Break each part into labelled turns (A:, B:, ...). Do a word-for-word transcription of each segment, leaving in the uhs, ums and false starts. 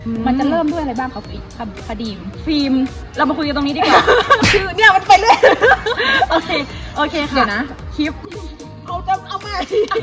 A: มันจะเริ่มด้วยอะไรบ้างคะคดี
B: ฟิล์มเรามาคุยกันตรงนี้ดีกว่า คือเนี่ยมันไปเรื่อยโอเคโอเคค่ะ
A: เดี๋ยวนะ
B: คลิปเอาจะเอาใหม่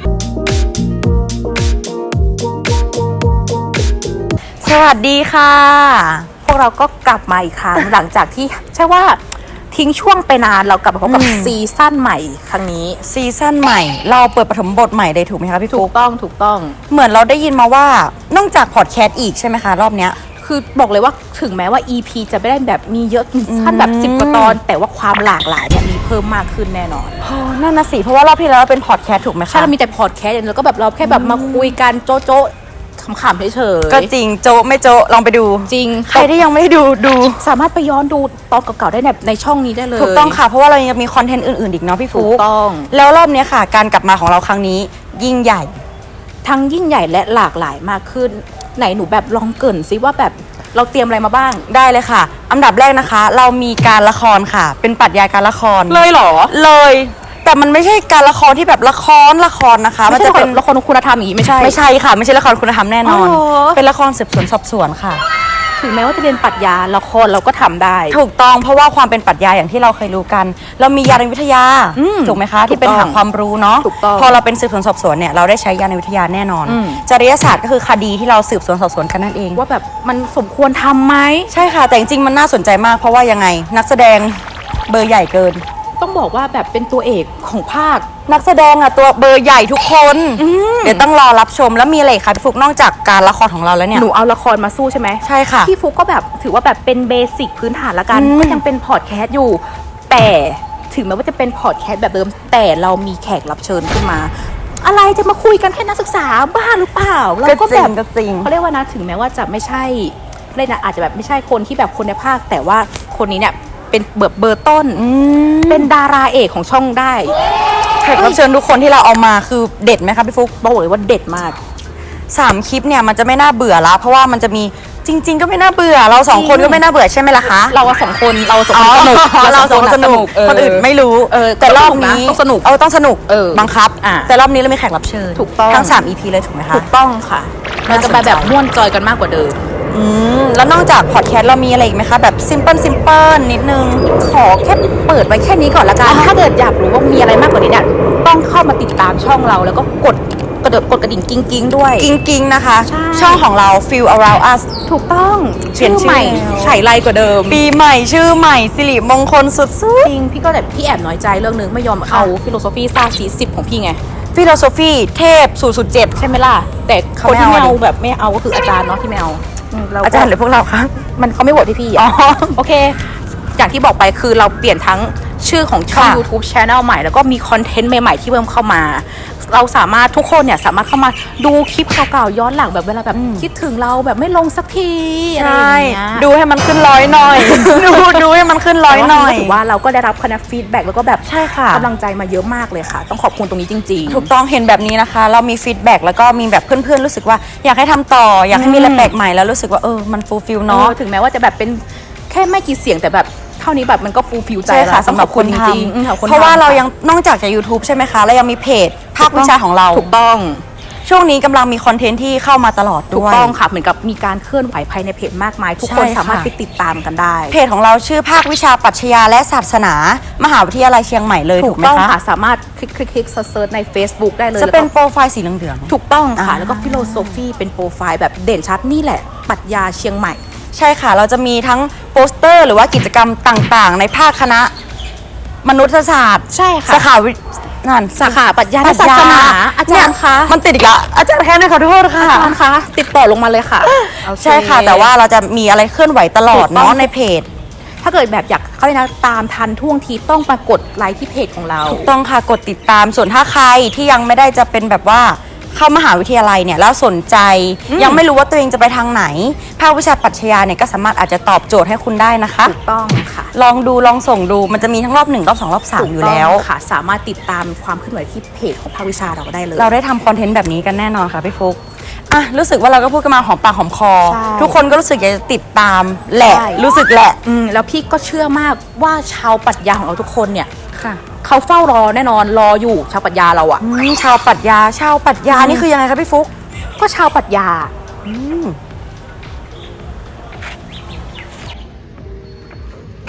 C: สวัสดีค่ะพวกเราก็กลับมาอีกครั้ง หลังจากที่ใช่ว่าทิ้งช่วงไปนานเรากลับมาพบกับซีซั่นใหม่ครั้งนี้
D: ซีซั่นใหม่เราเปิดปฐมบทใหม่เลยถูกไหมคะพี่ฟุ๊ก
C: ถูกต้องถูกต้อง
D: เหมือนเราได้ยินมาว่านอกจากพอดแคสต์อีกใช่ไหมคะรอบเนี้ย
C: คือบอกเลยว่าถึงแม้ว่า อี พี จะไม่ได้แบบมีเยอะขั้นแบบสิบกว่าตอนแต่ว่าความหลากหลายเนี่ยมีเพิ่มมากขึ้นแน่นอน
D: นั่นนะสิเพราะว่ารอบที่แล้วเราเป็นพอดแคสต์ถูกไหมคะ
C: ใช่เรามีแต่พอดแคสต์แล้วก็แบบเราแค่แบบมาคุยกันโจ๊ะโจ๊ะขำๆเฉยๆ
D: ก็จริงโจไม่โจลองไปดู
C: จริง
D: ใครที่ยังไม่ดูดู
C: สามารถไปย้อนดูตอนเก่าๆได้ในในช่องนี้ได้เลย
D: ถูกต้องค่ะเพราะว่าเรายังมีคอนเทนต์อื่นๆอีกเนาะพี่ฟุ๊ก
C: ถูกต้อง
D: แล้วรอบนี้ค่ะการกลับมาของเราครั้งนี้ยิ่งใหญ่
C: ทั้งยิ่งใหญ่และหลากหลายมากขึ้นไหนหนูแบบลองเกริ่นซิว่าแบบเราเตรียมอะไรมาบ้าง
D: ได้เลยค่ะอันดับแรกนะคะเรามีการละครค่ะเป็นปรัชญาการละคร
C: เลยเหรอ
D: เลยแต่มันไม่ใช่การละครที่แบบละครละครนะคะ
C: มันจะเป็นละครคุณธรรมอย่างนี้ไม่ใช่
D: ไม่ใช่ค่ะไม่ใช่ละครคุณธรรมแน่นอนเป็นละครสืบสวนสอบสวนค่ะ
C: ถึงแม้ว่าจะเรียนปรัชญาละครเราก็ทำได้
D: ถูกต้องเพราะว่าความเป็นปรัชญาอย่างที่เราเคยรู้กันเรามียานวิทยาถูกไหมคะที่เป็นหาความรู้เนาะพอเราเป็นสืบสวนสอบสวนเนี่ยเราได้ใช้ยานวิทยาแน่นอนจริยศาสตร์ก็คือคดีที่เราสืบสวนสอบสวนกันนั่นเอง
C: ว่าแบบมันสมควรทำไหม
D: ใช่ค่ะแต่จริงๆมันน่าสนใจมากเพราะว่ายังไงนักแสดงเบอร์ใหญ่เกิน
C: ต้องบอกว่าแบบเป็นตัวเอกของภาค
D: นักแสดงอะตัวเบอร์ใหญ่ทุกคนเดี๋ยวต้องรอรับชมแล้วมีอะไรคะพี่ฟุกนอกจากการละครของเราแล้วเนี่ย
C: หนูเอาละครมาสู้ใช่ไหม
D: ใช่ค่ะ
C: พี่ฟุกก็แบบถือว่าแบบเป็นเบสิกพื้นฐานละกันก็ยังเป็นพอดแคสต์อยู่แต่ถึงแม้ว่าจะเป็นพอดแคสต์แบบเดิมแต่เรามีแขกรับเชิญขึ้นมาอะไรจะมาคุยกันแค่นักศึกษาบ้าหรือเปล่าเราก็แบบเขาเรียกว่านะถึงแม้ว่าจะไม่ใช่เล่นนะอาจจะแบบไม่ใช่คนที่แบบคนในภาคแต่ว่าคนนี้เนี่ยเป็นเบอร์เบอร์ต้นเป็นดาราเอกของช่องได้
D: แขกรับเชิญทุกคนที่เราเอามาคือเด็ดไหมคะพี่ฟุ๊ก
C: บอกเลยว่าเด็ดมาก
D: สามคลิปเนี่ยมันจะไม่น่าเบื่อละเพราะว่ามันจะมีจริงๆก็ไม่น่าเบื่อเราสองคนก็ไม่น่าเบื่อใช่ไหมล่ะคะ
C: เราสองคนเราสองคนสนุก
D: เราสองคนสนุกคนอื่นไม่รู้แต่รอบนี้
C: ต้องสนุก
D: เออต้องสนุกบังคับแต่รอบนี้เรามีแขกรับเชิญ
C: ถูกต้อง
D: ทั้งสาม อี พี เลยถูกไหมคะ
C: ถูกต้องค่ะเราจะไปแบบม่วนจอยกันมากกว่าเดิม
D: อืมแล้วนอกจากพอดแคสต์เรามีอะไรอีกไหมคะแบบซิมเปิลซิมเปิลนิดนึง
C: ขอแค่เปิดไว้แค่นี้ก่อนละกันถ้าเกิดอยากรู้ว่ามีอะไรมากกว่านี้เนี่ยต้องเข้ามาติดตามช่องเราแล้วก็กดกระเดิบกดกระดิ่งกิ้งกิ้งด้วย
D: กิ้งกิ้งนะคะช่องของเรา Feel Around Us
C: ถูกต้องชื่อใหม่ไฉไลกว่าเดิม
D: ปีใหม่ชื่อใหม่สิริมงคลสุดๆ
C: จริงพี่ก็แบบพี่แอบน้อยใจเรื่องนึงไม่ยอมเอาฟิโลโซฟีซ่าสีสิบของพี่ไง
D: ฟิโลโซฟีเทพศูนย์ ศูนย์ เจ็ด
C: ใช่ไหมล่ะแต่คนที่ไม่เอาแบบไม่เอาก็คืออาจารย์เนาะที่ไม่เอา
D: อาจารย์หรือพวกเราคะ
C: มันเขาไม่โหวตที่พี่อ๋อโอเคอย่างที่บอกไปคือเราเปลี่ยนทั้งชื่อของช่อง YouTube Channel ใหม่แล้วก็มีคอนเทนต์ใหม่ๆที่เพิ่มเข้ามาเราสามารถทุกคนเนี่ยสามารถเข้ามาดูคลิปเก่าๆย้อนหลังแบบเวลาแบบคิดถึงเราแบบไม่ลงสักทีอะไรอย่างเงี้ย
D: ดูให้มันขึ้นร้อยหน่อยดูดูให้มันขึ้นร้อยหน่อย
C: ถือว่าเราก็ได้รับคะแนนฟีดแบ็กแล้วก็แบบ
D: ใช่ค่ะ
C: กำลังใจมาเยอะมากเลยค่ะต้องขอบคุณตรงนี้จริง
D: ๆถูกต้องเห็นแบบนี้นะคะเรามีฟีดแบ็กแล้วก็มีแบบเพื่อนๆรู้สึกว่าอยากให้ทำต่ออยากให้มีอะไรแปลกใหม่แล้วรู้สึกว่าเออมันฟูลฟิลเนาะ
C: ถึงแม้ว่าจะแบบเป็นแค่ไม่กี่เสียงแต่แบบเท่านี้แบบมันก็ฟูลฟิลใจ
D: ค่ะสำหรับคนจริงๆเพราะว่าเรายังนอกจากจาก YouTube ใช่ไหมคะแล้วยังมีเพจภาควิชาของเรา
C: ถูกต้อง
D: ช่วงนี้กำลังมีคอนเทนต์ที่เข้ามาตลอดด้วย
C: ถูกต้องค่ะเหมือนกับมีการเคลื่อนไหวภายในเพจมากมายทุกคนสามารถไปติดตามกันได้
D: เพจของเราชื่อภาควิชาปรัชญาและศาสนามหาวิทยาลัยเชียงใหม่เลยถูกไหมคะถูกต้อง
C: ค่ะสามารถคลิกคลิกคลิกเซิร์ชใน Facebook ได้เลย
D: จะเป็นโปรไฟล์สีเหลือง
C: ๆถูกต้องค่ะแล้วก็ฟิโลโซฟีเป็นโปรไฟล์แบบเด่นชัดนี่แหละปรัชญาเชียงใหม่
D: ใช่ค่ะเราจะมีทั้งโปสเตอร์หรือว่ากิจกรรมต่างๆในภาคคณะมนุษยศาสตร์
C: ใช่ค่ะ
D: สาขาวินั่น
C: สาขาปรัชญาและศาสนาอาจารย์คะ
D: มันติดอีกละอาจารย์แค่นี้ขอโทษค่ะ
C: อาจารย์คะติดต่อลงมาเลยค่ะ
D: ใช่ค่ะแต่ว่าเราจะมีอะไรเคลื่อนไหวตลอดเนาะในเพจ
C: ถ้าเกิดแบบอยากเขาเลยนะตามทันท่วงทีต้องมากดไลค์ที่เพจของเรา
D: ถูกต้องค่ะกดติดตามส่วนถ้าใครที่ยังไม่ได้จะเป็นแบบว่าเข้ามหาวิทยาลัยเนี่ยแล้วสนใจยังไม่รู้ว่าตัวเองจะไปทางไหนภาควิชาปรัชญาเนี่ยก็สามารถอาจจะตอบโจทย์ให้คุณได้นะคะ
C: ถูกต้องค่ะ
D: ลองดูลองส่งดูมันจะมีทั้งรอบหนึ่งรอบสองรอบสามอยู่แล้ว
C: ค่ะสามารถติดตามความเคลื่อนไหวที่เพจของภาควิชาเราได้เลย
D: เราได้ทำคอนเทนต์แบบนี้กันแน่นอนค่ะพี่ฟุ๊กอ่ะรู้สึกว่าเราก็พูดกันมาหอมปากหอมคอทุกคนก็รู้สึกอยากจะติดตามแหละรู้สึกแหละ
C: อืมแล้วพี่ก็เชื่อมากว่าชาวปรัชญาของเราทุกคนเนี่ยเขาเฝ้ารอแน่นอนรออยู่ชาวปรัชญาเราอะ
D: ชาวปรัชญาชาวปรัชญานี่คือยังไงคะพี่ฟุ๊ก
C: ก็ชาวปรัชญา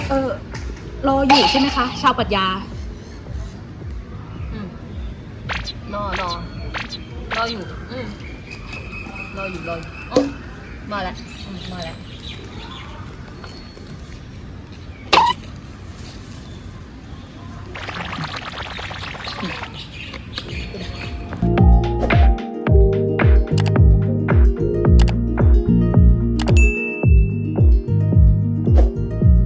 C: เออรออยู่ใช่ไหมคะ ชาวปรัชญา
B: อืมรอรอรออยู่อืมรออยู่รออยู่อ๋อมาแล้วอืมมาแล้ว